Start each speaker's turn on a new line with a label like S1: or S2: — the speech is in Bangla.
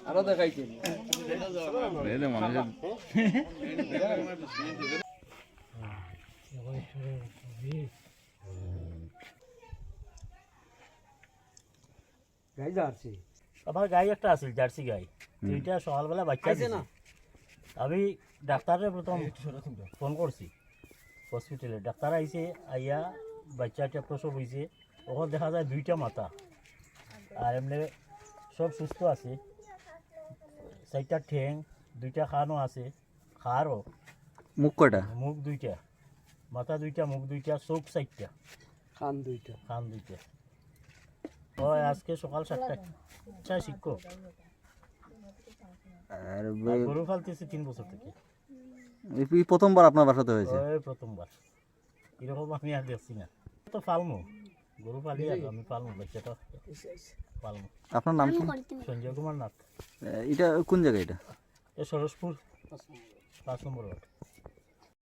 S1: আরো দেখাইতে গাই জার্সি
S2: আমার গাই একটা আছে জার্সি গাই দুইটা সকালবেলা বাচ্চা দিছে না আমি ডাক্তারের প্রথম ফোন করছি হসপিটালে ডাক্তার আইছে আইয়া বাচ্চাটা প্রসব হয়েছে ওখানে দেখা যায় দুইটা মাথা আর এমনি সব সুস্থ আছে চারটা ঠ্যাং দুইটা খানও আছে খারও
S3: মুখ কয়টা
S2: মুখ দুইটা মাথা দুইটা মুখ দুইটা চোখ চারটা
S1: খান দুইটা
S2: খান দুইটা ও আজকে সকাল 7টায় শিক্ষক
S3: আর
S2: আর গরু ফালতেছে 3 বছর থেকে
S3: এই প্রথমবার আপনার বাসাতে হয়েছে
S2: ওই প্রথমবার এরকম আমি আর দেখছি না তো পালমু গরু পালি আর আমি পালমু বাচ্চাটা পালমু
S3: আপনার নাম কি
S2: সঞ্জয় কুমার নাথ
S3: এটা কোন জায়গা এটা
S2: এ সরসপুর 5 নম্বর ওয়ার্ড